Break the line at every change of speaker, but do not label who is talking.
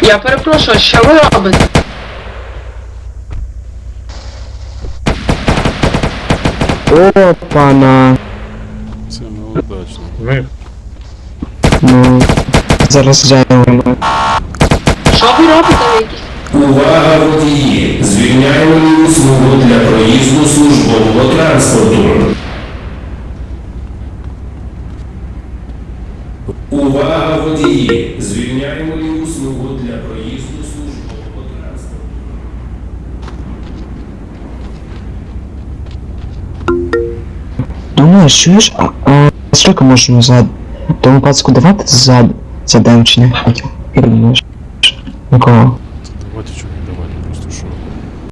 Я перепрошую, що ви робите?
Опана.
Це неудачно.
Ми
Ну, зараз взяємо.
Що ви робите ви якісь?
Увага, водії! Звільняємо ліву смугу для проїзду службового транспорту. Увага, водії! Звільняємо ліву смугу для проїзду службового транспорту.
Думаєш, чуєш? Скільки можемо за тому пацку давати за дем чи не? Як думаєш? Нікого.
Давайте чого не давайте, просто що.